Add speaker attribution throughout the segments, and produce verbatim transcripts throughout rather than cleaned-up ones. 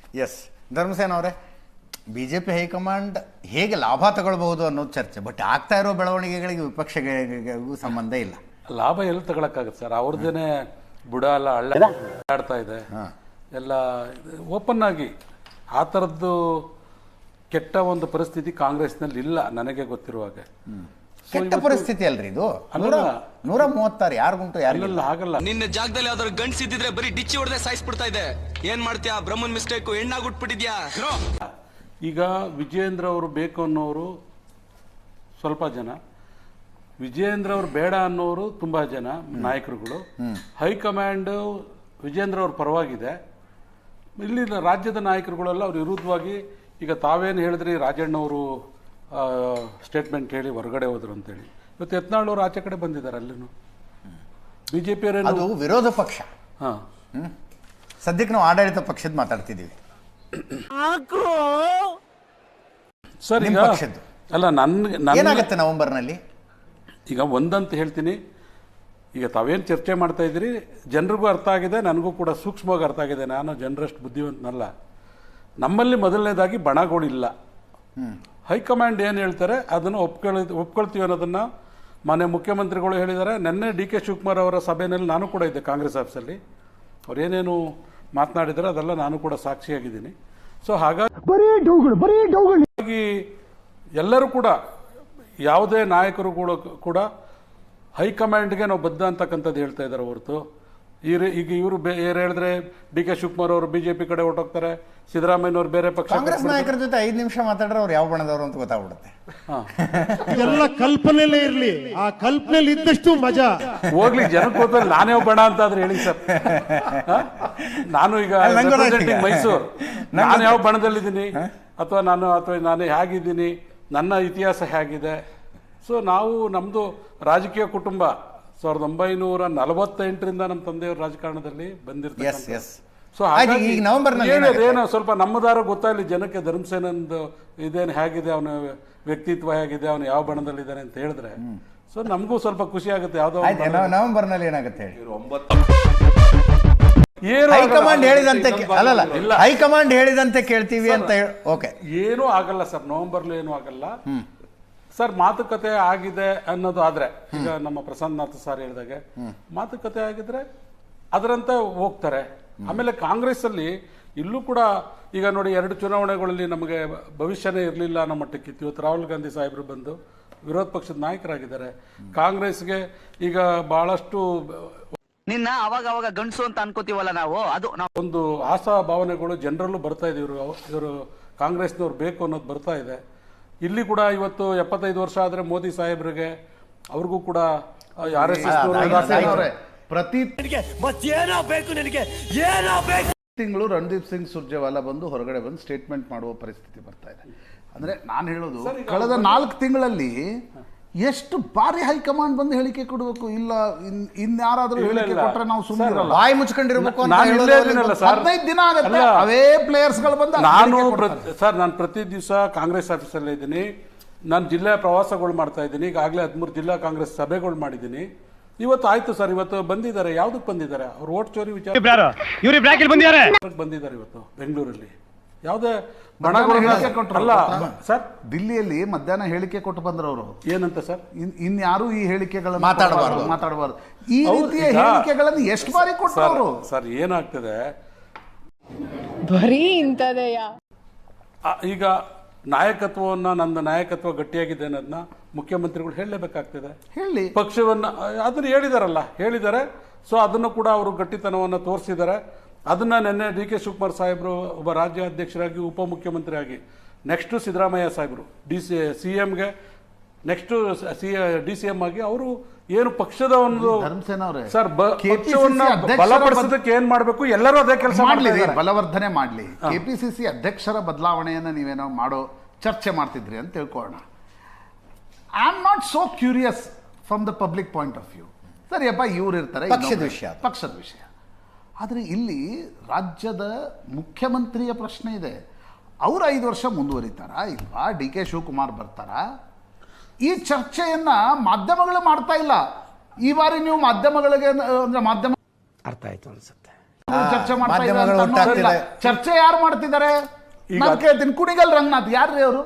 Speaker 1: S Dharmasena ಅವರೇ, B J P high command ಹೇಗೆ ಲಾಭ ತಗೊಳ್ಬಹುದು ಅನ್ನೋದು ಚರ್ಚೆ. ಬಟ್ ಆಗ್ತಾ ಇರೋ ಬೆಳವಣಿಗೆಗಳಿಗೆ ವಿಪಕ್ಷಗಳಿಗೂ ಸಂಬಂಧ ಇಲ್ಲ.
Speaker 2: ಲಾಭ ಎಲ್ಲಿ ತಗೊಳಕ್ಕಾಗತ್ತೆ ಸರ್? ಅವ್ರದ್ದೇನೆ ಬುಡ ಎಲ್ಲ ಹಳ್ಳ ಆಡ್ತಾ ಇದೆ ಎಲ್ಲ ಓಪನ್ ಆಗಿ. ಆ ಥರದ್ದು ಕೆಟ್ಟ ಒಂದು ಪರಿಸ್ಥಿತಿ ಕಾಂಗ್ರೆಸ್ನಲ್ಲಿ ಇಲ್ಲ ನನಗೆ ಗೊತ್ತಿರುವಾಗ.
Speaker 1: ಕೆಟ್ಟ ಪರಿಸ್ಥಿತಿ ಅಲ್ರಿ ಇದು. ನೂರ ಮೂವತ್ತಾರು ಯಾರಿಗುಂಟು
Speaker 2: ಯಾರಿಗೆಲ್ಲ ಆಗಲ್ಲ.
Speaker 3: ನಿನ್ನ ಜಾಗದಲ್ಲಿ ಯಾವ್ದಾದ್ರು ಗಂಡ್ಸಿದ್ರೆ ಬರೀ ಡಿಚ್ಚಿ ಹೊಡೆದೇ ಸಾಯಿಸ್ಬಿಡ್ತಾ ಇದೆ. ಏನ್ ಮಾಡ್ತೀಯಾ? ಬ್ರಹ್ಮನ್ ಮಿಸ್ಟೇಕ್ ಹೆಣ್ಣಾಗುಟ್ಬಿಟ್ಟಿದ್ಯಾ?
Speaker 2: ಈಗ ವಿಜಯೇಂದ್ರ ಅವರು ಬೇಕು ಅನ್ನೋರು ಸ್ವಲ್ಪ ಜನ, ವಿಜಯೇಂದ್ರ ಅವರು ಬೇಡ ಅನ್ನೋರು ತುಂಬಾ ಜನ ನಾಯಕರುಗಳು. ಹೈಕಮಾಂಡ್ ವಿಜಯೇಂದ್ರ ಅವ್ರ ಪರವಾಗಿದೆ. ಇಲ್ಲಿ ರಾಜ್ಯದ ನಾಯಕರುಗಳೆಲ್ಲ ಅವ್ರ ವಿರುದ್ಧವಾಗಿ. ಈಗ ತಾವೇನು ಹೇಳಿದ್ರಿ, ರಾಜಣ್ಣವರು ಸ್ಟೇಟ್ಮೆಂಟ್ ಹೇಳಿ ಹೊರಗಡೆ ಹೋದ್ರು ಅಂತೇಳಿ. ಇವತ್ತು ಯತ್ನಾಳ್ ಆಚೆ ಕಡೆ ಬಂದಿದ್ದಾರೆ. ಅಲ್ಲಿನೂ ಬಿಜೆಪಿ
Speaker 1: ಅದು ವಿರೋಧ ಪಕ್ಷ.
Speaker 2: ಹಾ,
Speaker 1: ಸದ್ಯಕ್ಕೆ ನಾವು ಆಡಳಿತ ಪಕ್ಷದ ಮಾತಾಡ್ತಿದ್ದೀವಿ
Speaker 2: ಸರ್. ಈಗ ಅಲ್ಲ, ನನ್ಗೆ
Speaker 1: ಏನಾಗುತ್ತೆ ನವೆಂಬರ್ನಲ್ಲಿ?
Speaker 2: ಈಗ ಒಂದಂತ ಹೇಳ್ತೀನಿ, ಈಗ ತಾವೇನು ಚರ್ಚೆ ಮಾಡ್ತಾ ಇದ್ದೀರಿ ಜನರಿಗೂ ಅರ್ಥ ಆಗಿದೆ, ನನಗೂ ಕೂಡ ಸೂಕ್ಷ್ಮವಾಗಿ ಅರ್ಥ ಆಗಿದೆ. ನಾನು ಜನರಷ್ಟು ಬುದ್ಧಿವಂತನಲ್ಲ. ನಮ್ಮಲ್ಲಿ ಮೊದಲನೇದಾಗಿ ಬಣಗಳಿಲ್ಲ. ಹೈಕಮಾಂಡ್ ಏನು ಹೇಳ್ತಾರೆ ಅದನ್ನು ಒಪ್ಕೊಳ್ಳಿ ಒಪ್ಕೊಳ್ತೀವಿ ಅನ್ನೋದನ್ನು ಮಾನ್ಯ ಮುಖ್ಯಮಂತ್ರಿಗಳು ಹೇಳಿದ್ದಾರೆ. ನಿನ್ನೆ ಡಿ ಕೆ ಶಿವಕುಮಾರ್ ಅವರ ಸಭೆಯಲ್ಲಿ ನಾನು ಕೂಡ ಇದ್ದೆ ಕಾಂಗ್ರೆಸ್ ಆಫೀಸಲ್ಲಿ. ಅವ್ರೇನೇನು ಮಾತನಾಡಿದರೆ ಅದೆಲ್ಲ ನಾನು ಕೂಡ ಸಾಕ್ಷಿಯಾಗಿದ್ದೀನಿ. ಸೊ ಹಾಗಾಗಿ ಎಲ್ಲರೂ ಕೂಡ, ಯಾವುದೇ ನಾಯಕರು ಕೂಡ ಕೂಡ ಹೈಕಮಾಂಡ್ಗೆ ನಾವು ಬದ್ಧ ಅಂತಕ್ಕಂಥದ್ದು ಹೇಳ್ತಾ ಇದ್ದಾರೆ ಹೊರತು ಈಗ ಈಗ ಇವರು ಏನು ಹೇಳಿದ್ರೆ ಡಿ ಕೆ ಶಿವಕುಮಾರ್ ಅವರು ಬಿಜೆಪಿ ಕಡೆ ಹೊರಟೋಗ್ತಾರೆ, ಸಿದ್ದರಾಮಯ್ಯನವರು ಬೇರೆ ಪಕ್ಷ.
Speaker 1: ಕಾಂಗ್ರೆಸ್ ನಾಯಕರ ಜೊತೆ ಐದು ನಿಮಿಷ ಮಾತಾಡ್ರೆ ಅವ್ರು ಯಾವ ಬಣದವರು ಅಂತ ಗೊತ್ತಾಗ್ಬಿಡುತ್ತೆ.
Speaker 4: ಎಲ್ಲ ಕಲ್ಪನೆಯಲ್ಲೇ ಇರ್ಲಿ, ಆ ಕಲ್ಪನೆಯಲ್ಲಿ ಇದ್ದಷ್ಟು ಮಜಾ.
Speaker 2: ಹೋಗ್ಲಿ, ಜನಕ್ಕೆ ಗೊತ್ತಲ್ಲ ನಾನೇ ಬಣ ಅಂತ ಆದ್ರೆ ಹೇಳಿ ಸರ್. ನಾನು ಈಗ ಮೈಸೂರು, ನಾನು ಯಾವ ಬಣದಲ್ಲಿದ್ದೀನಿ ಅಥವಾ ನಾನು ಅಥವಾ ನಾನು ಹೇಗಿದ್ದೀನಿ, ನನ್ನ ಇತಿಹಾಸ ಹೇಗಿದೆ. ಸೊ ನಾವು ನಮ್ಮದು ರಾಜಕೀಯ ಕುಟುಂಬ ಸಾವಿರದ ಒಂಬೈನೂರ ನಲವತ್ತೆಂಟರಿಂದ ನಮ್ಮ ತಂದೆಯವರು ರಾಜಕಾರಣದಲ್ಲಿ ಬಂದಿರ್ತಾರೆ. ಸೊ ಏನೋ ಸ್ವಲ್ಪ ನಮ್ಮದಾರ ಗೊತ್ತಾಗಲಿ ಜನಕ್ಕೆ, ಧರ್ಮಸೇನಂದು ಇದೇನು ಹೇಗಿದೆ, ಅವನ ವ್ಯಕ್ತಿತ್ವ ಹೇಗಿದೆ, ಅವನು ಯಾವ ಬಣದಲ್ಲಿದ್ದಾನೆ ಅಂತ ಹೇಳಿದ್ರೆ ಸೊ ನಮಗೂ ಸ್ವಲ್ಪ ಖುಷಿ ಆಗುತ್ತೆ. ಯಾವ್ದೋ
Speaker 1: ನವೆಂಬರ್ ನಲ್ಲಿ ಏನಾಗುತ್ತೆ ಹೈಕಮಾಂಡ್ ಹೇಳಿದಂತೆ ಅಲ್ಲಲ್ಲ ಹೈಕಮಾಂಡ್ ಹೇಳಿದಂತೆ ಕೇಳ್ತೀವಿ ಅಂತ. ಓಕೆ,
Speaker 2: ಏನೂ ಆಗಲ್ಲ ಸರ್, ನವೆಂಬರ್ಲು ಏನೂ ಆಗಲ್ಲ ಸರ್. ಮಾತುಕತೆ ಆಗಿದೆ ಅನ್ನೋದು ಆದ್ರೆ, ಈಗ ನಮ್ಮ ಪ್ರಸನ್ನನಾಥ್ ಸರ್ ಹೇಳಿದಾಗೆ ಮಾತುಕತೆ ಆಗಿದ್ರೆ ಅದರಂತೆ ಹೋಗ್ತಾರೆ. ಆಮೇಲೆ ಕಾಂಗ್ರೆಸ್ ಅಲ್ಲಿ ಇಲ್ಲೂ ಕೂಡ ಈಗ ನೋಡಿ, ಎರಡು ಚುನಾವಣೆಗಳಲ್ಲಿ ನಮಗೆ ಭವಿಷ್ಯನೇ ಇರಲಿಲ್ಲ ಅನ್ನೋ ಮಟ್ಟಕ್ಕಿತ್ತು. ಇವತ್ತು ರಾಹುಲ್ ಗಾಂಧಿ ಸಾಹೇಬರು ಬಂದು ವಿರೋಧ ಪಕ್ಷದ ನಾಯಕರಾಗಿದ್ದಾರೆ. ಕಾಂಗ್ರೆಸ್ಗೆ ಈಗ ಬಹಳಷ್ಟು
Speaker 3: ನಿನ್ನ ಅವಾಗ ಅವಾಗ ಗಂಡಸು ಅಂತ ಅನ್ಕೋತೀವಲ್ಲ ನಾವು, ಅದು
Speaker 2: ಒಂದು ಆಶಾ ಭಾವನೆಗಳು ಜನರಲ್ಲೂ ಬರ್ತಾ ಇದೆ. ಇವರು ಇವರು ಕಾಂಗ್ರೆಸ್ನವ್ರು ಬೇಕು ಅನ್ನೋದು ಬರ್ತಾ ಇದೆ. ಇಲ್ಲಿ ಕೂಡ ಇವತ್ತು ಎಪ್ಪತ್ತೈದು ವರ್ಷ ಆದ್ರೆ ಮೋದಿ ಸಾಹೇಬ್ರಿಗೆ ಅವ್ರಿಗೂ ಕೂಡ ಆರ್ ಎಸ್ ಎಸ್
Speaker 5: ಪ್ರತಿ ತಿಂಗಳು ರಣದೀಪ್ ಸಿಂಗ್ ಸುರ್ಜೇವಾಲಾ ಬಂದು ಹೊರಗಡೆ ಬಂದು ಸ್ಟೇಟ್ಮೆಂಟ್ ಮಾಡುವ ಪರಿಸ್ಥಿತಿ ಬರ್ತಾ ಇದೆ. ಅಂದ್ರೆ ನಾನು ಹೇಳೋದು, ಕಳೆದ ನಾಲ್ಕು ತಿಂಗಳಲ್ಲಿ ಎಷ್ಟು ಬಾರಿ ಹೈಕಮಾಂಡ್ ಬಂದು ಹೇಳಿಕೆ ಕೊಡಬೇಕು. ಇಲ್ಲ ಇನ್ಯಾರಾದ್ರೂ ಹೇಳಿಕೆ ಕೊಟ್ರೆ ನಾವು ಸುಮ್ಮನೆ
Speaker 1: ಬಾಯಿ ಮುಚ್ಕೊಂಡಿರ್ಬೇಕು.
Speaker 5: ಹದಿನೈದು ದಿನ ಆಗುತ್ತೆ, ಅವೇ ಪ್ಲೇಯರ್ಸ್ ಗಳು ಬಂದು.
Speaker 2: ನಾನು ಸರ್ ನಾನು ಪ್ರತಿ ದಿವಸ ಕಾಂಗ್ರೆಸ್ ಆಫೀಸಲ್ಲೇ ಇದ್ದೀನಿ. ನಾನು ಜಿಲ್ಲಾ ಪ್ರವಾಸಗಳು ಮಾಡ್ತಾ ಇದ್ದೀನಿ. ಈಗಾಗಲೇ ಹದಿಮೂರು ಜಿಲ್ಲಾ ಕಾಂಗ್ರೆಸ್ ಸಭೆಗಳು ಮಾಡಿದ್ದೀನಿ. ಇವತ್ತು ಆಯ್ತು ಸರ್, ಇವತ್ತು ಬಂದಿದ್ದಾರೆ. ಯಾವ್ದಕ್ಕೆ ಬಂದಿದ್ದಾರೆ? ಅವ್ರು ಓಟ್ ಚೋರಿ ವಿಚಾರ ಬಂದಿದ್ದಾರೆ ಇವತ್ತು ಬೆಂಗಳೂರಲ್ಲಿ. ಯಾವುದೇ
Speaker 5: ಅಲ್ಲ ಸರ್, ದಿಲ್ಲಿಯಲ್ಲಿ ಮಧ್ಯಾಹ್ನ ಹೇಳಿಕೆ ಕೊಟ್ಟು ಬಂದ್ರವರು.
Speaker 2: ಏನಂತ ಸರ್?
Speaker 5: ಇನ್ಯಾರು ಈ ಹೇಳಿಕೆಗಳನ್ನು ಮಾತಾಡಬಾರ್ದು ಮಾತಾಡಬಾರ್ದು ಈ ರೀತಿಯ ಹೇಳಿಕೆಗಳನ್ನು ಎಷ್ಟು ಬಾರಿ ಕೊಟ್ಟರು
Speaker 2: ಸರ್? ಏನಾಗ್ತದೆ
Speaker 6: ಬರೀ ಇಂಥದೆಯಾ?
Speaker 2: ಈಗ ನಾಯಕತ್ವವನ್ನ, ನನ್ನ ನಾಯಕತ್ವ ಗಟ್ಟಿಯಾಗಿದೆ ಅನ್ನೋದನ್ನ ಮುಖ್ಯಮಂತ್ರಿಗಳು ಹೇಳಲೇಬೇಕಾಗ್ತದೆ.
Speaker 5: ಹೇಳಿ,
Speaker 2: ಪಕ್ಷವನ್ನ ಅದನ್ನ ಹೇಳಿದಾರಲ್ಲ, ಹೇಳಿದ್ದಾರೆ. ಸೊ ಅದನ್ನು ಕೂಡ ಅವರು ಗಟ್ಟಿತನವನ್ನು ತೋರಿಸಿದ್ದಾರೆ. ಅದನ್ನ ನಿನ್ನೆ ಡಿ ಕೆ ಶಿವಕುಮಾರ್ ಸಾಹೇಬರು ಒಬ್ಬ ರಾಜ್ಯ ಅಧ್ಯಕ್ಷರಾಗಿ, ಉಪಮುಖ್ಯಮಂತ್ರಿ ಆಗಿ, ನೆಕ್ಸ್ಟ್ ಸಿದ್ದರಾಮಯ್ಯ ಸಾಹೇಬರು ಡಿ ಸಿ ಸಿ ಎಂಗೆ next C D C M ಆಗಿ ಅವರು ಏನು ಪಕ್ಷದ ಒಂದು ಸರ್ ಪಕ್ಷವನ್ನ ಬಲಪಡಿಸೋದಕ್ಕೆ ಏನ್ ಮಾಡಬೇಕು, ಎಲ್ಲರೂ ಅದೇ ಕೆಲಸ
Speaker 5: ಮಾಡಲಿ, ಬಲವರ್ಧನೆ ಮಾಡಲಿ. ಕೆಪಿಸಿಸಿ ಅಧ್ಯಕ್ಷರ ಬದಲಾವಣೆಯನ್ನ ನೀವೇನೋ ಮಾಡೋ ಚರ್ಚೆ ಮಾಡ್ತಿದ್ರಿ ಅಂತ ತಿಳ್ಕೊಳ್ಳೋಣ. I am not so curious from the public point of view. ಸರಿಯಪ್ಪ, ಇವ್ರು ಇರ್ತಾರೆ,
Speaker 1: ಪಕ್ಷದ ವಿಷಯ
Speaker 5: ಪಕ್ಷದ ವಿಷಯ. ಆದರೆ ಇಲ್ಲಿ ರಾಜ್ಯದ ಮುಖ್ಯಮಂತ್ರಿಯ ಪ್ರಶ್ನೆ ಇದೆ. ಅವರು ಐದು ವರ್ಷ ಮುಂದುವರಿತಾರಾ ಇಲ್ವಾ? ಡಿ ಕೆ ಶಿವಕುಮಾರ್ ಬರ್ತಾರಾ? ಈ ಚರ್ಚೆಯನ್ನ ಮಾಧ್ಯಮಗಳು ಮಾಡ್ತಾ ಇಲ್ಲ. ಈ ಬಾರಿ ನೀವು ಮಾಧ್ಯಮಗಳಿಗೆ ಅಂದ್ರೆ ಮಾಧ್ಯಮ
Speaker 4: ಅರ್ಥ ಆಯ್ತು ಅನ್ಸುತ್ತೆ.
Speaker 5: ಚರ್ಚೆ ಮಾಡ್ತಾ ಇದ್ದಾರೆ
Speaker 1: ಮಾಧ್ಯಮಗಳು
Speaker 5: ಅಂತ ಅನ್ನೋದಿಲ್ಲ.
Speaker 1: ಒಟ್ಟಾಗ್ತಿದೆ.
Speaker 5: ಚರ್ಚೆ ಯಾರು ಮಾಡ್ತಿದ್ದಾರೆ
Speaker 2: ಈಗ-
Speaker 5: ನಾನು ಕೇಳ್ತೀನಿ. ಕುಣಿಗಲ್ ರಂಗನಾಥ್ ಯಾರ್ರಿ ಅವರು?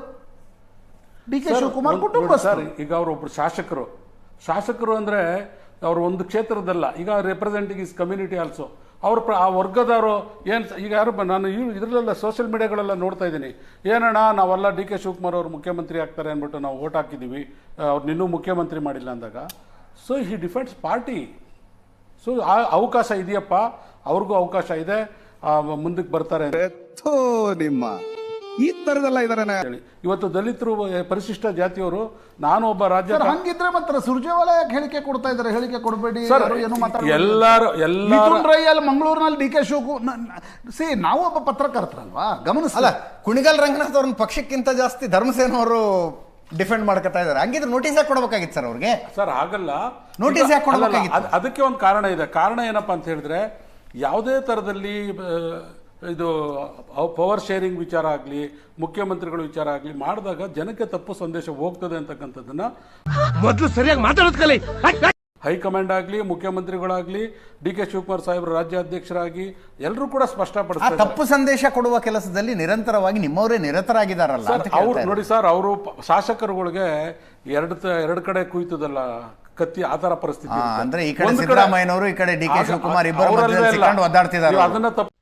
Speaker 5: ಡಿ ಕೆ ಶಿವಕುಮಾರ್ ಕುಟುಂಬ
Speaker 2: ಸರ್. ಈಗ ಅವರೊಬ್ರು ಶಾಸಕರು ಶಾಸಕರು ಅಂದ್ರೆ ಅವರು ಒಂದು ಕ್ಷೇತ್ರದಲ್ಲ, ಈಗ ರೆಪ್ರೆಸೆಂಟಿಂಗ್ ಇಸ್ ಕಮ್ಯುನಿಟಿ ಆಲ್ಸೋ. ಅವ್ರ ಪ್ರ ಆ ವರ್ಗದವರು ಏನು ಈಗ ಯಾರು ಬ- ನಾನು ಇದರಲ್ಲೆಲ್ಲ ಸೋಷಿಯಲ್ ಮೀಡಿಯಾಗಳೆಲ್ಲ ನೋಡ್ತಾ ಇದ್ದೀನಿ, ಏನಣ್ಣ ನಾವೆಲ್ಲ ಡಿ ಕೆ ಶಿವಕುಮಾರ್ ಅವರು ಮುಖ್ಯಮಂತ್ರಿ ಆಗ್ತಾರೆ ಅಂದ್ಬಿಟ್ಟು ನಾವು ಓಟ್ ಹಾಕಿದ್ದೀವಿ, ಅವ್ರು ಇನ್ನೂ ಮುಖ್ಯಮಂತ್ರಿ ಮಾಡಿಲ್ಲ ಅಂದಾಗ. So he defends party. So ಆ ಅವಕಾಶ ಇದೆಯಪ್ಪ, ಅವ್ರಿಗೂ ಅವಕಾಶ ಇದೆ, ಮುಂದಕ್ಕೆ ಬರ್ತಾರೆ ಅಂತ
Speaker 6: ನಿಮ್ಮ ಈ ತರದೆಲ್ಲ ಇದಾರೆ
Speaker 2: ಹೇಳಿ. ಇವತ್ತು ದಲಿತರು ಪರಿಶಿಷ್ಟ ಜಾತಿಯವರು, ನಾನು ಒಬ್ಬ ರಾಜ್ಯ
Speaker 5: ಸರ್ ಹಂಗಿದ್ರೆ ಮಾತ್ರ ಸುರ್ಜೇವಾಲ ಯಾಕೆ ಹೇಳಿಕೆ ಕೊಡ್ತಾ ಇದ್ದಾರೆ? ಹೇಳಿಕೆ ಕೊಡಬೇಡಿ,
Speaker 2: ಸರ್,
Speaker 5: ಏನು ಮಾತಾಡ್ಬೇಡಿ.
Speaker 2: ಎಲ್ಲಾರು ಎಲ್ಲಾರು
Speaker 5: ಮಿಥುನ್ ರೈ ಅಲ್ಲಿ ಮಂಗಳೂರಿನಲ್ಲಿ ಡಿ ಕೆ ಶಿವಕುಮಾರ್ ಸಿ ನಾವು ಒಬ್ಬ ಪತ್ರಕರ್ತರಲ್ವಾ, ಗಮನಿಸ.
Speaker 1: ಅಲ್ಲ, ಕುಣಿಗಲ್ ರಂಗನಾಥ್ ಅವ್ರನ್ನ ಪಕ್ಷಕ್ಕಿಂತ ಜಾಸ್ತಿ ಧರ್ಮಸೇನ ಅವರು ಡಿಫೆಂಡ್ ಮಾಡ್ಕೊತಾ ಇದ್ದಾರೆ. ಹಂಗಿದ್ರೆ ನೋಟಿಸ್ ಯಾಕೆ ಕೊಡಬೇಕಾಗಿತ್ತು ಸರ್ ಅವ್ರಿಗೆ?
Speaker 2: ಸರ್ ಆಗಲ್ಲ.
Speaker 1: ನೋಟಿಸ್ ಯಾಕೆ
Speaker 2: ಅಲ್ಲಲ್ಲ,
Speaker 1: ಕೊಡಬೇಕಾಗಿತ್ತು?
Speaker 2: ಅದ್- ಅದಕ್ಕೆ ಒಂದು ಕಾರಣ ಇದೆ. ಕಾರಣ ಏನಪ್ಪಾ ಅಂತ ಹೇಳಿದ್ರೆ, ಯಾವುದೇ ತರದಲ್ಲಿ ಆ, ಇದು ಪವರ್ ಶೇರಿಂಗ್ ವಿಚಾರ ಆಗಲಿ, ಮುಖ್ಯಮಂತ್ರಿಗಳ ವಿಚಾರ ಆಗಲಿ ಮಾಡಿದಾಗ ಜನಕ್ಕೆ ತಪ್ಪು ಸಂದೇಶ ಹೋಗ್ತದೆ ಅಂತಕ್ಕಂಥದ್ದನ್ನ
Speaker 4: ಮೊದಲು ಸರಿಯಾಗಿ ಮಾತಾಡೋದ್ ಕಲಿ.
Speaker 2: ಹೈಕಮಾಂಡ್ ಆಗಲಿ, ಮುಖ್ಯಮಂತ್ರಿಗಳಾಗ್ಲಿ, ಡಿ ಕೆ ಶಿವಕುಮಾರ್ ಸಾಹೇಬ್ರ ರಾಜ್ಯಾಧ್ಯಕ್ಷರಾಗಿ ಎಲ್ಲರೂ ಕೂಡ
Speaker 1: ಆ
Speaker 2: ಸ್ಪಷ್ಟಪಡಿಸ್ತಾರೆ.
Speaker 1: ತಪ್ಪು ಸಂದೇಶ ಕೊಡುವ ಕೆಲಸದಲ್ಲಿ ನಿರಂತರವಾಗಿ ನಿಮ್ಮವರೇ ನಿರತರಾಗಿದ್ದಾರಲ್ಲ ಅಂತ
Speaker 2: ಅವ್ರು
Speaker 1: ಕೇಳ್ತಾ
Speaker 2: ನೋಡಿ ಸರ್, ಅವರು ಶಾಸಕರುಗಳಿಗೆ ಎರಡು ಎರಡು ಕಡೆ ಕುಯ್ತದಲ್ಲ ಕತ್ತಿ, ಆ ತರ ಪರಿಸ್ಥಿತಿ
Speaker 1: ಹಾ,
Speaker 2: ಇರುತ್ತೆ.
Speaker 1: ಅಂದ್ರೆ ಈ ಕಡೆ
Speaker 2: ಒಂದ್
Speaker 1: ಸಿದ್ದರಾಮಯ್ಯನವರು, ಈ ಕಡೆ ಡಿ ಕೆ
Speaker 2: ಆಗ-
Speaker 1: ಶಿವಕುಮಾರ್ ಇಬ್ಬರು
Speaker 2: ಅವರಲ್ಲೇ
Speaker 1: ಮಧ್ಯದಲ್ಲಿ
Speaker 2: ಇಲ್ಲ.
Speaker 1: ಸಿಕ್ಕೊಂಡು ಒದ್ದಾಡ್ತಿದ್ದಾರೆ.
Speaker 2: ನೀವು ಅದನ್ನ ತಪ್ಪು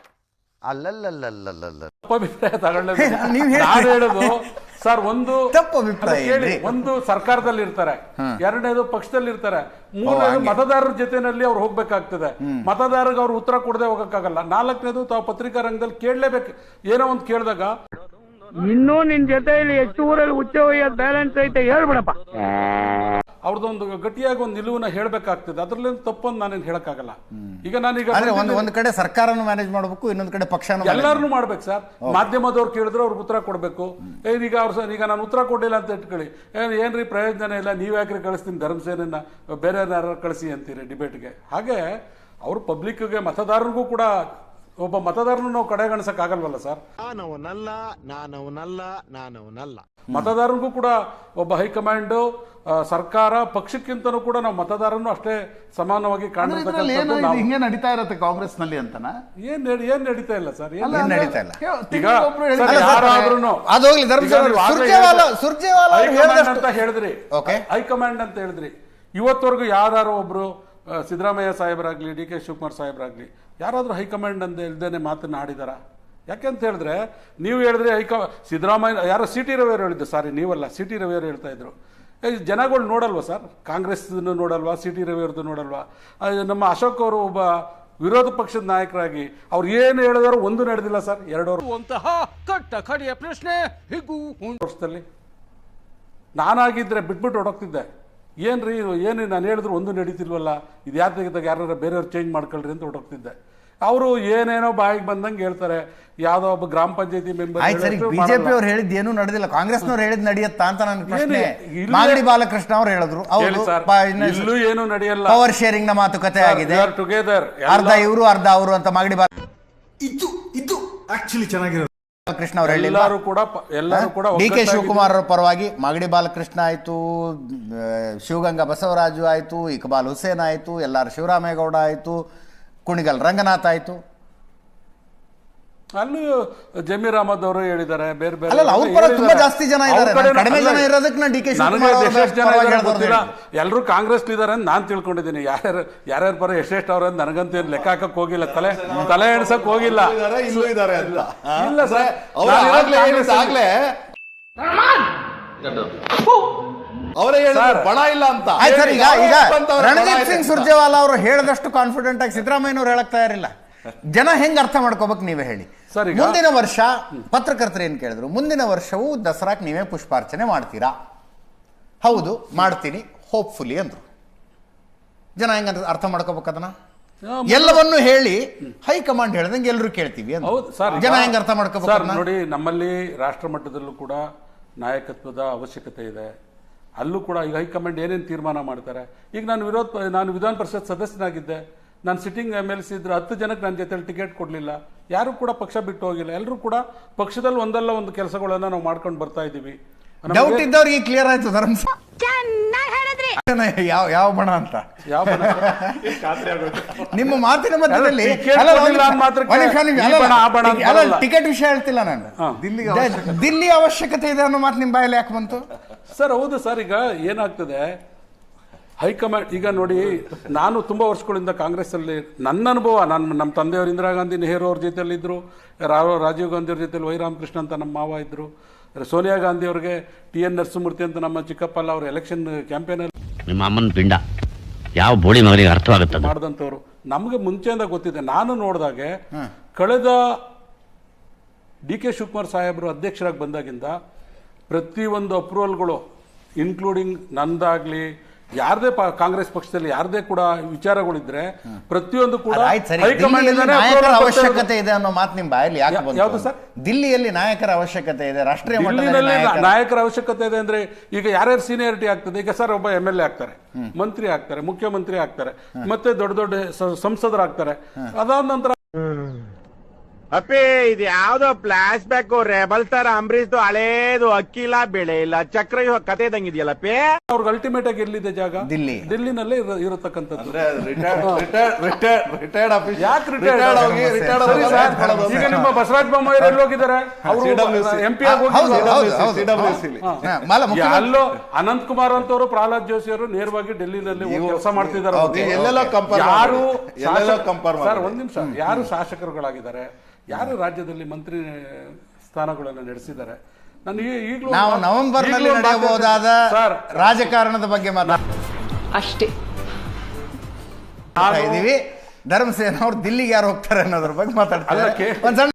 Speaker 6: ಅಲ್ಲಲ್ಲಲ್ಲಲ್ಲಲ್ಲ
Speaker 2: ತಪ್ಪಭಿಪ್ರಾಯ ತಗೊಳ್ಳೇಬೇಕು.
Speaker 1: ನೀವ್ ಹೇಳಿ.
Speaker 2: ನಾನು ಹೇಳೋದು ಸರ್, ಒಂದು
Speaker 1: ತಪ್ಪು ಅಭಿಪ್ರಾಯ
Speaker 2: ಅದು ಕೇಳಿ,
Speaker 1: ಏನ್ರಿ?
Speaker 2: ಒಂದು ಸರ್ಕಾರದಲ್ಲಿ ಇರ್ತಾರೆ, ಎರಡನೇದು ಪಕ್ಷದಲ್ಲಿ ಇರ್ತಾರೆ, ಮೂರನೇದು ಮತದಾರರ ಜೊತೆನಲ್ಲಿ ಅವ್ರು ಹೋಗ್ಬೇಕಾಗ್ತದೆ. ಮತದಾರರಿಗೆ ಅವ್ರು ಉತ್ತರ ಕೊಡದೆ ಹೋಗಕ್ಕಾಗಲ್ಲ. ನಾಲ್ಕನೇದು ತಾವು ಪತ್ರಿಕಾ ರಂಗದಲ್ಲಿ ಕೇಳಲೇಬೇಕು. ಏನೋ ಒಂದು ಕೇಳಿದಾಗ
Speaker 7: ಇನ್ನೂ ನಿನ್ ಜೊತೆಯಲ್ಲಿ ಎಷ್ಟು ಊರಲ್ಲಿ ಉಚ್ಚ ಬ್ಯಾಲೆನ್ಸ್ ಐತೆ ಹೇಳ್ಬಿಡಪ್ಪ.
Speaker 2: ಅವ್ರದ್ದೊಂದು ಗಟ್ಟಿಯಾಗಿ ಒಂದು ನಿಲುವನ್ನ ಹೇಳ್ಬೇಕಾಗ್ತದೆ. ಅದ್ರಲ್ಲಿ ತಪ್ಪೊಂದು ನಾನೇನು ಹೇಳಕ್ಕಾಗಲ್ಲ. ಈಗ ನಾನೀಗ
Speaker 1: ಅಂದ್ರೆ ಒಂದು ಒಂದು ಕಡೆ ಸರ್ಕಾರನು ಮ್ಯಾನೇಜ್ ಮಾಡಬೇಕು, ಇನ್ನೊಂದು ಕಡೆ ಪಕ್ಷನೂ
Speaker 2: ಎಲ್ಲಾರನು ಮಾಡ್ಬೇಕು ಸರ್. ಮಾಧ್ಯಮದವ್ರು ಕೇಳಿದ್ರು ಅವ್ರಿಗೆ ಉತ್ತರ ಕೊಡಬೇಕು. ಈಗ ಅವ್ರು ಈಗ ನಾನು ಉತ್ತರ ಕೊಟ್ಟಿಲ್ಲ ಅಂತ ಇಟ್ಕೊಳ್ಳಿ, ಏನ್ ಏನ್ರಿ ಪ್ರಯೋಜನ ಇಲ್ಲ, ನೀವ್ ಯಾಕ್ರಿ ಕಳಿಸ್ತೀನಿ ಧರ್ಮಸೇನ, ಬೇರೆ ಯಾರು ಕಳಿಸಿ ಅಂತೀರಿ ಡಿಬೇಟ್ಗೆ. ಹಾಗೆ ಅವರು ಪಬ್ಲಿಕ್ಗೆ, ಮತದಾರರಿಗೂ ಕೂಡ, ಒಬ್ಬ ಮತದಾರನು ನಾವು ಕಡೆಗಣಿಸಕ್ ಆಗಲ್ವಲ್ಲ ಸರ್.
Speaker 8: ನಾನವನಲ್ಲ ನಾನವನಲ್ಲ ನಾನವನಲ್ಲ
Speaker 2: ಮತದಾರರಿಗೂ ಕೂಡ ಒಬ್ಬ ಹೈಕಮಾಂಡ್, ಸರ್ಕಾರ, ಪಕ್ಷಕ್ಕಿಂತನೂ ಕೂಡ ನಾವು ಮತದಾರನು ಅಷ್ಟೇ ಸಮಾನವಾಗಿ
Speaker 5: ಇದ್ರಲ್ಲಿ ಏನು
Speaker 2: ಕಾಣಿಸ್ತಕ್ಕಂಥದ್ದು
Speaker 5: ಇದು
Speaker 2: ನಾವು.
Speaker 5: ಹಿಂಗೆ ನಡೀತಾ ಇರತ್ತೆ ಕಾಂಗ್ರೆಸ್ ನಲ್ಲಿ ಅಂತನಾ?
Speaker 2: ಏನ್ ನಡಿ- ಏನ್ ನಡೀತಾ ಇಲ್ಲ ಸರ್. ಏನ್
Speaker 5: ಅಲ್ಲ,
Speaker 1: ಏನ್
Speaker 5: ಅಂದ್ರೆ
Speaker 1: ನಡೀತಾ ಇಲ್ಲ.
Speaker 5: ಹೇ-
Speaker 2: ಈಗ
Speaker 5: ತಿಂಗ್ಳಿಗೊಬ್ರು
Speaker 2: ಸರ್,
Speaker 5: ಹೇಳಿದ್ರೆ
Speaker 2: ಯಾರಾದ್ರೂನು
Speaker 1: ಅದು ಹೋಗ್ಲಿ, ಧರ್ಮಸೇನ
Speaker 2: ಈಗ ನೀವು ಆಗ್ಲೇ
Speaker 1: ಸುರ್ಜೇವಾಲ
Speaker 2: ಹೇಳಿದ್ರೆ-
Speaker 1: ಸುರ್ಜೇವಾಲ ಅವ್ರು
Speaker 2: ಹೈಕಮಾಂಡ್
Speaker 1: ಹೇಳಿದಷ್ಟು-
Speaker 2: ಅಂತ ಹೇಳಿದ್ರಿ.
Speaker 1: Okay.
Speaker 2: ಹೈಕಮಾಂಡ್ ಅಂತ ಹೇಳಿದ್ರಿ. ಇವತ್ತವರೆಗೂ ಯಾರು ಒಬ್ರು ಆ, ಸಿದ್ದರಾಮಯ್ಯ ಸಾಹೇಬರಾಗ್ಲಿ, ಡಿ ಕೆ ಶಿವಕುಮಾರ್ ಸಾಹೇಬರಾಗ್ಲಿ, ಯಾರಾದ್ರೂ ಹೈಕಮಾಂಡ್ ಅಂತ ಇಲ್ದೇನೆ ಮಾತನ್ನ ಆಡಿದಾರ? ಯಾಕೆಂತ ಹೇಳಿದ್ರೆ, ನೀವು ಹೇಳಿದ್ರೆ ಹೈಕ ಸಿದ್ದರಾಮಯ್ಯ, ಯಾರೋ ಸಿ ಟಿ ರವಿಯವರು ಹೇಳಿದ್ದು, ಸಾರಿ ನೀವಲ್ಲ, ಸಿ ಟಿ ರವಿಯವರು ಹೇಳ್ತಾ ಇದ್ರು. ಏ, ಜನಗಳು ನೋಡಲ್ವಾ ಸರ್? ಕಾಂಗ್ರೆಸ್ ನೋಡಲ್ವಾ? ಸಿ ಟಿ ರವಿಯವ್ರದ್ದು ನೋಡಲ್ವಾ? ಆ, ನಮ್ಮ ಅಶೋಕ್ ಅವರು ಒಬ್ಬ ವಿರೋಧ ಪಕ್ಷದ ನಾಯಕರಾಗಿ ಅವ್ರು ಏನು ಹೇಳಿದಾರೋ ಒಂದು ನಡೆದಿಲ್ಲ ಸರ್. ಎರಡು
Speaker 3: ಕಟ್ಟ ಕಡೆಯ ಪ್ರಶ್ನೆ ಹಿಗ್ಗು
Speaker 2: ವರ್ಷದಲ್ಲಿ ನಾನಾಗಿದ್ರೆ ಬಿಟ್ಬಿಟ್ಟು ಹೊಡೋಗ್ತಿದ್ದೆ. ಏನ್ರಿ ಏನು ನಾನು ಹೇಳಿದ್ರು ಒಂದು ನಡೀತಿಲ್ವಲ್ಲ, ಇದು ಯಾರು ತೆಗೆದಾಗ ಯಾರು ಬೇರೆಯವ್ರು ಚೇಂಜ್ ಮಾಡ್ಕೊಳ್ರಿ ಅಂತ ಹೊಡೋಗ್ತಿದ್ದೆ. ಅವರು ಏನೇನೋ ಬಾಯಿಗೆ ಬಂದಂಗೆ ಹೇಳ್ತಾರೆ. ಯಾವ್ದೋ ಒಬ್ಬ ಗ್ರಾಮ ಪಂಚಾಯತಿ ಮೆಂಬರ್
Speaker 1: ಆಯ್ತು ಸರಿ, ಬಿಜೆಪಿ ಅವ್ರು ಹೇಳಿದ್ ಏನು ನಡೆದಿಲ್ಲ, ಕಾಂಗ್ರೆಸ್ನವ್ರು ಹೇಳಿದ್ ನಡೆಯುತ್ತಾ ಅಂತ ನನ್ನ ಪ್ರಶ್ನೆ.
Speaker 2: ಇಲ್ಲೇ-
Speaker 1: ಮಾಗಡಿ ಬಾಲಕೃಷ್ಣ ಅವ್ರು ಹೇಳಿದ್ರು,
Speaker 2: ಹೇಳಿ ಸರ್, ಇಲ್ಲೂ ಏನು ನಡೆಯಲ್ಲ.
Speaker 1: ಪವರ್ ಶೇರಿಂಗ್ ನ ಮಾತುಕತೆ ಆಗಿದೆ,
Speaker 2: ಟುಗೆದರ್
Speaker 1: ಅರ್ಧ ಇವರು ಅರ್ಧ ಅವರು ಅಂತ ಮಾಗಡಿ
Speaker 8: ಇದು ಇದು ಆಕ್ಚುಲಿ ಚೆನ್ನಾಗಿರೋದು.
Speaker 1: ಬಾಲಕೃಷ್ಣ ಅವ್ರು ಹೇಳಿಲ್ಲ.
Speaker 2: ಎಲ್ಲರೂ ಕೂಡ ಪ- ಎಲ್ಲರೂ ಕೂಡ
Speaker 1: ಡಿ ಕೆ
Speaker 2: ಒಗ್ಗಟ್ಟಾಗಿ-
Speaker 1: ಶಿವಕುಮಾರ್ ಅವರ ಪರವಾಗಿ ಮಾಗಡಿ ಬಾಲಕೃಷ್ಣ ಆಯ್ತು, ಶಿವಗಂಗಾ ಬಸವರಾಜು ಆಯ್ತು, ಇಕ್ಬಾಲ್ ಹುಸೇನ್ ಆಯ್ತು, ಎಲ್ಲಾರು ಶಿವರಾಮೇಗೌಡ ಆಯ್ತು, ಕುಣಿಗಲ್ ರಂಗನಾಥ್ ಆಯ್ತು.
Speaker 2: ಅಲ್ಲೂ ಜಮೀರ್ ಅಹಮದ್ ಅವರು ಹೇಳಿದ್ದಾರೆ, ಬೇರೆ ಬೇರೆ
Speaker 1: ಅಲ್ಲಲ್ಲ, ಅವ್ರ ಪರ ತುಂಬಾ ಜಾಸ್ತಿ ಜನ ಇದ್ದಾರೆ.
Speaker 2: ಅವ್ರ ಕಡೆ
Speaker 1: ನಾನು ಕಡಿಮೆ
Speaker 2: ಅಲ್ಲ,
Speaker 1: ಜನ ಇರೋದಕ್ಕೆ ನಾನು ಡಿ ಕೆ ಶಿವಕುಮಾರ್
Speaker 2: ನನಗೆ
Speaker 1: ಅವ್ರ
Speaker 2: ಎಷ್ಟೆಷ್ಟು ಜನ
Speaker 1: ಪರವಾಗಿ
Speaker 2: ಇದ್ದಾರೆ
Speaker 1: ಹೇಳ್ದವ್ರು
Speaker 2: ಗೊತ್ತಿಲ್ಲ.
Speaker 1: ಹೇಳಿದ್ರು.
Speaker 2: ಎಲ್ಲರೂ ಕಾಂಗ್ರೆಸ್ ಇದ್ದಾರೆ ಅಂತ ನಾನು ತಿಳ್ಕೊಂಡಿದ್ದೀನಿ. ಯಾರ್ಯಾರು ಯಾರ್ಯಾರ ಪರ ಎಷ್ಟೆಷ್ಟು ಅವ್ರ ನನಗಂತೂ ಏನು ಲೆಕ್ಕ ಹಾಕಕ್ ಹೋಗಿಲ್ಲ, ತಲೆ ತಲೆ ಎಣ್ಸಕ್ ಹೋಗಿಲ್ಲ.
Speaker 8: ಇಲ್ಲೂ ಇದ್ದಾರೆ ಅಂತ
Speaker 2: ಇಲ್ಲ ಸರ್,
Speaker 8: ಅವ್ರು
Speaker 2: ನಾನು
Speaker 8: ಆಗ್ಲೇ
Speaker 2: ಕಾಂಗ್ರೆಸ್
Speaker 8: ಆಗ್ಲೇ ಅವರೇ ಹೇಳಿದ್ರು ಬಣ ಇಲ್ಲ ಅಂತ.
Speaker 1: ಆಯ್ತು ಸರ್, ಈಗ ಈಗ
Speaker 8: ಬಂತವ್ರೆ ಬಣ
Speaker 1: ರಣದೀಪ್
Speaker 8: ಇದೆ
Speaker 1: ಸಿಂಗ್
Speaker 8: ಅಂತ.
Speaker 1: ಸುರ್ಜೇವಾಲಾ ಅವರು ಹೇಳದಷ್ಟು ಕಾನ್ಫಿಡೆಂಟ್ ಆಗಿ ಸಿದ್ದರಾಮಯ್ಯನವ್ರು ಹೇಳಕ್ ತಯಾರಿಲ್ಲ. ಜನ ಹೆಂಗ್ ಅರ್ಥ ಮಾಡ್ಕೋಬೇಕು ನೀವೇ ಹೇಳಿ.
Speaker 2: ಸರ್, ಈಗ-
Speaker 1: ಮುಂದಿನ ವರ್ಷ ಪತ್ರಕರ್ತರು ಏನ್ ಕೇಳಿದ್ರು, ಮುಂದಿನ ವರ್ಷವೂ ದಸರಾಕ್ ನೀವೇ ಪುಷ್ಪಾರ್ಚನೆ ಮಾಡ್ತೀರಾ? ಹೌದು ಮಾಡ್ತೀನಿ ಹೋಪ್ಫುಲಿ ಅಂದ್ರು. ಜನ ಹೆಂಗ ಅರ್ಥ ಮಾಡ್ಕೋಬೇಕು ಅದನ್ನ? ಎಲ್ಲವನ್ನು ಹೇಳಿ ಹೈಕಮಾಂಡ್ ಹೇಳ್ದಂಗೆ ಎಲ್ಲರೂ ಕೇಳ್ತೀವಿ ಅಂತ.
Speaker 2: ಹೌದು ಸರ್,
Speaker 1: ಜನ ಹೆಂಗ್ ಅರ್ಥ ಮಾಡ್ಕೋಬೇಕು
Speaker 2: ಸರ್
Speaker 1: ಅದನ್ನ?
Speaker 2: ನೋಡಿ, ನಮ್ಮಲ್ಲಿ ರಾಷ್ಟ್ರ ಮಟ್ಟದಲ್ಲೂ ಕೂಡ ನಾಯಕತ್ವದ ಅವಶ್ಯಕತೆ ಇದೆ. ಅಲ್ಲೂ ಕೂಡ ಈಗ ಹೈಕಮಾಂಡ್ ಏನೇನು ತೀರ್ಮಾನ ಮಾಡ್ತಾರೆ. ಈಗ ನಾನು ವಿರೋಧ ನಾನು ವಿಧಾನ ಪರಿಷತ್ ಸದಸ್ಯನಾಗಿದ್ದೆ. ನಾನು ಸಿಟ್ಟಿಂಗ್ ಎಮ್ ಎಲ್ ಸಿ ಇದ್ರೆ ಹತ್ತು ಜನಕ್ಕೆ ನನ್ನ ಜೊತೆಲಿ ಟಿಕೆಟ್ ಕೊಡಲಿಲ್ಲ. ಯಾರು ಕೂಡ ಪಕ್ಷ ಬಿಟ್ಟು ಹೋಗಿಲ್ಲ. ಎಲ್ಲರೂ ಕೂಡ ಪಕ್ಷದಲ್ಲಿ ಒಂದಲ್ಲ ಒಂದು ಕೆಲಸಗಳನ್ನ ನಾವು ಮಾಡ್ಕೊಂಡು ಬರ್ತಾ ಇದ್ದೀವಿ.
Speaker 1: ಡೌಟ್ ಇದ್ದವ್ರಿಗೆ ಕ್ಲಿಯರ್ ಆಯ್ತು ಧರ್ಮ.
Speaker 9: ಚೆನ್ನಾಗಿ ಹೇಳಿದ್ರಿ.
Speaker 1: ಯಾವ ಯಾವ ಬಣ ಅಂತ
Speaker 2: ಯಾವ ಬಣ?
Speaker 1: ನಿಮ್ಮ ಮಾತಿನ ಮಧ್ಯದಲ್ಲಿ
Speaker 2: ಅಲ್ಲ, ticket
Speaker 1: ಅಲ್ಲ,
Speaker 2: ಕೊಡ್ಲಿಲ್ಲ
Speaker 1: ಒಂದು
Speaker 2: ಅಂದ್ ಮಾತ್ರಕ್ಕೆ
Speaker 1: ಒಂದು ನಿಮಿಷ, ನಿಮಿಷ,
Speaker 2: ಈ
Speaker 1: ಅಲ್ಲ,
Speaker 2: ಬಣ, ಆ ಬಣ ಅಂತ
Speaker 1: ಅಲ್ಲ,
Speaker 2: ಬರಲ್ಲ.
Speaker 1: ಟಿಕೆಟ್ ವಿಷಯ ಹೇಳ್ತಿಲ್ಲ ನಾನು.
Speaker 5: ದಿಲ್ಲಿಗೆ
Speaker 1: ದ- ದಿಲ್ಲಿ ಅವಶ್ಯಕತೆ ಇದೆ ಅನ್ನೋ ಮಾತು ನಿಮ್ಮ ಬಾಯಲ್ಲಿ ಯಾಕೆ ಬಂತು?
Speaker 2: ಸರ್ ಹೌದು ಸರ್. ಈಗ ಏನಾಗ್ತದೆ, ಹೈಕಮಾಂಡ್ ಈಗ ನೋಡಿ, ನಾನು ತುಂಬ ವರ್ಷಗಳಿಂದ ಕಾಂಗ್ರೆಸ್ಸಲ್ಲಿ ನನ್ನ ಅನುಭವ, ನಾನು ನಮ್ಮ ತಂದೆಯವರು ಇಂದಿರಾ ಗಾಂಧಿ ನೆಹರು ಅವ್ರ ಜೊತೆಯಲ್ಲಿ ಇದ್ರು, ರಾ- ರಾಜೀವ್ ಗಾಂಧಿ ಅವ್ರ ಜೊತೆಲಿ ವೈ ರಾಮಕೃಷ್ಣ ಅಂತ ನಮ್ಮ ಮಾವ ಇದ್ರು, ಸೋನಿಯಾ ಗಾಂಧಿ ಅವ್ರಿಗೆ ಟಿ ಎನ್ ನರಸಿಂಹಮೂರ್ತಿ ಅಂತ ನಮ್ಮ ಚಿಕ್ಕಪ್ಪಲ್ಲ ಅವ್ರ ಎಲೆಕ್ಷನ್ ಕ್ಯಾಂಪೇನಲ್ಲಿ
Speaker 9: ನಿಮ್ಮ ಅಮ್ಮನ ಪಿಂಡ ಯಾವ ಬೋಳಿ ಮಗನಿಗೆ ಅರ್ಥವಾಗುತ್ತದೆ
Speaker 2: ಮಾಡಿದಂಥವ್ರು. ನಮಗೆ ಮುಂಚೆಯಿಂದ ಗೊತ್ತಿದೆ. ನಾನು ನೋಡಿದಾಗೆ ಕಳೆದ ಡಿ ಕೆ ಶಿವಕುಮಾರ್ ಸಾಹೇಬರು ಅಧ್ಯಕ್ಷರಾಗಿ ಬಂದಾಗಿಂದ ಪ್ರತಿಯೊಂದು ಅಪ್ರೂವಲ್ಗಳು, ಇನ್ಕ್ಲೂಡಿಂಗ್ ನಂದಾಗ್ಲಿ, ಯಾರದೇ ಕಾಂಗ್ರೆಸ್ ಪಕ್ಷದಲ್ಲಿ ಯಾರದೇ ಕೂಡ ವಿಚಾರಗಳಿದ್ರೆ ಪ್ರತಿಯೊಂದು ಕೂಡ
Speaker 1: ಆಯ್ತು ಸರಿ,
Speaker 2: ಹೈಕಮಾಂಡ್
Speaker 1: ದಿಲ್ಲಿಯಲ್ಲಿ ನಾಯಕರ ಅವಶ್ಯಕತೆ ಇದೆ ಅನ್ನೋ ಮಾತು ನಿಮ್ಮ ಬಾಯಲ್ಲಿ ಯಾಕೆ
Speaker 2: ಯಾ-
Speaker 1: ಬಂತು?
Speaker 2: ಯಾವುದು ಸರ್?
Speaker 1: ದಿಲ್ಲಿಯಲ್ಲಿ ನಾಯಕರ ಅವಶ್ಯಕತೆ ಇದೆ, ರಾಷ್ಟ್ರೀಯ ಮಟ್ಟದಲ್ಲಿ
Speaker 2: ದಿಲ್ಲಿನಲ್ಲಿ
Speaker 1: ನಾಯಕರ-
Speaker 2: ನಾಯಕರ ಅವಶ್ಯಕತೆ ಇದೆ ಅಂದ್ರೆ ಈಗ ಯಾರ್ಯಾರು ಸೀನಿಯಾರಿಟಿ ಆಗ್ತದೆ. ಈಗ ಸರ್ ಒಬ್ಬ ಎಂ ಎಲ್ ಎ ಆಗ್ತಾರೆ, ಮಂತ್ರಿ ಆಗ್ತಾರೆ, ಮುಖ್ಯಮಂತ್ರಿ ಆಗ್ತಾರೆ, ಮತ್ತೆ ದೊಡ್ಡ ದೊಡ್ಡ ಸ- ಸಂಸದರಾಗ್ತಾರೆ. ಅದಾದ ನಂತರ
Speaker 7: ಅಪ್ಪಿ ಇದು ಯಾವ್ದೋ ಫ್ಲಾಶ್ ಬ್ಯಾಕ್ ರೆಬಲ್ ತರ ಅಂಬರೀಶ್ ಹಳೇದು ಅಕ್ಕಿಲ್ಲ ಬೆಳೆ ಇಲ್ಲ ಚಕ್ರ ಕತೆ ಇದಂಗಿದೆಯಲ್ಲಪ್ಪಿ.
Speaker 2: ಅವ್ರಿಗೆ ಅಲ್ಟಿಮೇಟ್ ಆಗಿ ಎಲ್ಲಿದೆ ಜಾಗ?
Speaker 1: ದಿಲ್ಲಿ.
Speaker 2: ದಿಲ್ಲಿನಲ್ಲೇ ಇರ- ಇರತಕ್ಕಂಥದ್ದು.
Speaker 5: ರಿಟೈರ್ಡ್ ಆಫೀಸ್
Speaker 2: ಯಾಕೆ ರಿಟೈರ್ಡ್ ಈಗ ನಿಮ್ಮ ಬಸವರಾಜ ಬೊಮ್ಮಾಯಿ ಎಲ್ಲಿ ಹೋಗಿದ್ದಾರೆ? ಅವರು ಎಂ ಪಿ ಆಗಿ
Speaker 1: ಹೌದು,
Speaker 2: ಹೋಗಿದ್ದಾರೆ.
Speaker 1: ಹೌದು, ಹೌದು. ಹಾ, ಮಾಲ ಮುಖ್ಯಮಂತ್ರಿ-
Speaker 2: ಅಲ್ಲೋ ಅನಂತ್ ಕುಮಾರ್ ಅಂತವರು, ಪ್ರಹ್ಲಾದ್ ಜೋಶಿ ಅವರು ನೇರವಾಗಿ ಡೆಲ್ಲಿನಲ್ಲಿ ಕೆಲಸ ಮಾಡ್ತಿದ್ದಾರೆ.
Speaker 1: ಓಕೆ.
Speaker 8: ಎಲ್ಲೆಲ್ಲೋ compare
Speaker 2: ಯಾರು
Speaker 8: ಮಾಡಿ. ಎಲ್ಲೆಲ್ಲೋ compare
Speaker 2: ಸರ್
Speaker 8: ಮಾಡಿ.
Speaker 2: ಒಂದ್ ನಿಮಿಷ, ಯಾರು ಶಾಸಕರುಗಳಾಗಿದ್ದಾರೆ, ಯಾರು ರಾಜ್ಯದಲ್ಲಿ ಮಂತ್ರಿ ಸ್ಥಾನಗಳನ್ನು ನಡೆಸಿದ್ದಾರೆ? ನಾನು ಈ- ಈಗಲೂ
Speaker 1: ನಾವು ನವೆಂಬರ್ ನಲ್ಲಿ
Speaker 2: ಈಗಲೂ
Speaker 1: ನಡೆಯಬಹುದಾದ
Speaker 2: ಸರ್
Speaker 1: ರಾಜಕಾರಣದ ಬಗ್ಗೆ ಮಾತಾಡ್ತಾ
Speaker 10: ಅಷ್ಟೇ.
Speaker 1: ಇದೀವಿ. ಧರ್ಮಸೇನ ಅವ್ರು ದಿಲ್ಲಿಗೆ ಯಾರು ಹೋಗ್ತಾರೆ ಅನ್ನೋದ್ರ ಬಗ್ಗೆ ಮಾತಾಡ್ತಾರೆ.
Speaker 2: ಅಲ್ಲ, ಕೇ-
Speaker 1: ಒಂದ್ ಸಣ್ಣ